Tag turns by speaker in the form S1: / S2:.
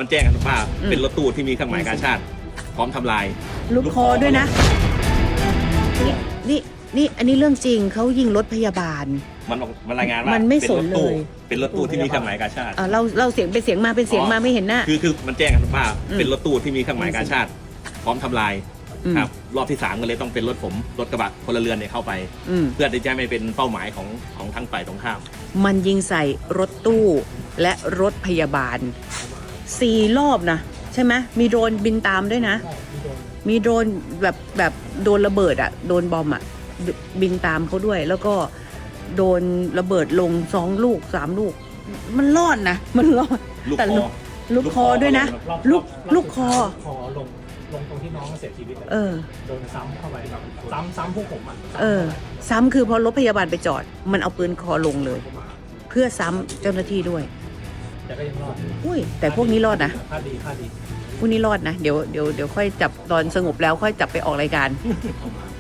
S1: มันแจ้งกันว่าเป็นรถตู้ที่มีเครื่องหมายกาชาติพร้อมทำลาย
S2: ลูกคอด้วยนะนี่อันนี้เรื่องจริงเขายิงรถพยาบาล
S1: มันรายงานว่า
S2: มันไม่สนเลย
S1: เป็นรถตู้ที่มีเครื่องหมายกาชาติ
S2: เราเสียงเป็นเสียงมาเป็นเสียงมาไม่เห็นหน้า
S1: คือมันแจ้งกันว่าเป็นรถตู้ที่มีเครื่องหมายกาชาติพร้อมทำลายครับรอบที่3ก็เลยต้องเป็นรถผมรถกระบะพลเรือนเนี่ยเข้าไปเพื่อที่จะไม่เป็นเป้าหมายของทั้งฝ่ายตรงข้าม
S2: มันยิงใส่รถตู้และรถพยาบาล4 รอบนะใช่ไหมมีโดรนบินตามด้วยนะมีโดรนแบบโดนระเบิดอะโดนบอมอะบินตามเขาด้วยแล้วก็โดนระเบิดลง2 ลูก 3 ลูกมันรอดนะมันรอดแต่ลูกคอด้วยนะลูกคอ
S3: ลงตรงที่น้องเสียชีวิตโดนซ้ำเข้าไปซ้ำพวกผม
S2: ซ้ำคือพอรถพยาบาลไปจอดมันเอาปืนคอลงเลยเพื่อซ้ำเจ้าหน้าที่ด้วย
S3: แต่ก็ยังรอด
S2: อุ้ยแต่พวกนี้รอดนะ
S3: ค่าดี
S2: พวกนี้รอดนะเดี๋ยวค่อยจับตอนสงบแล้วค่อยจับไปออกรายการ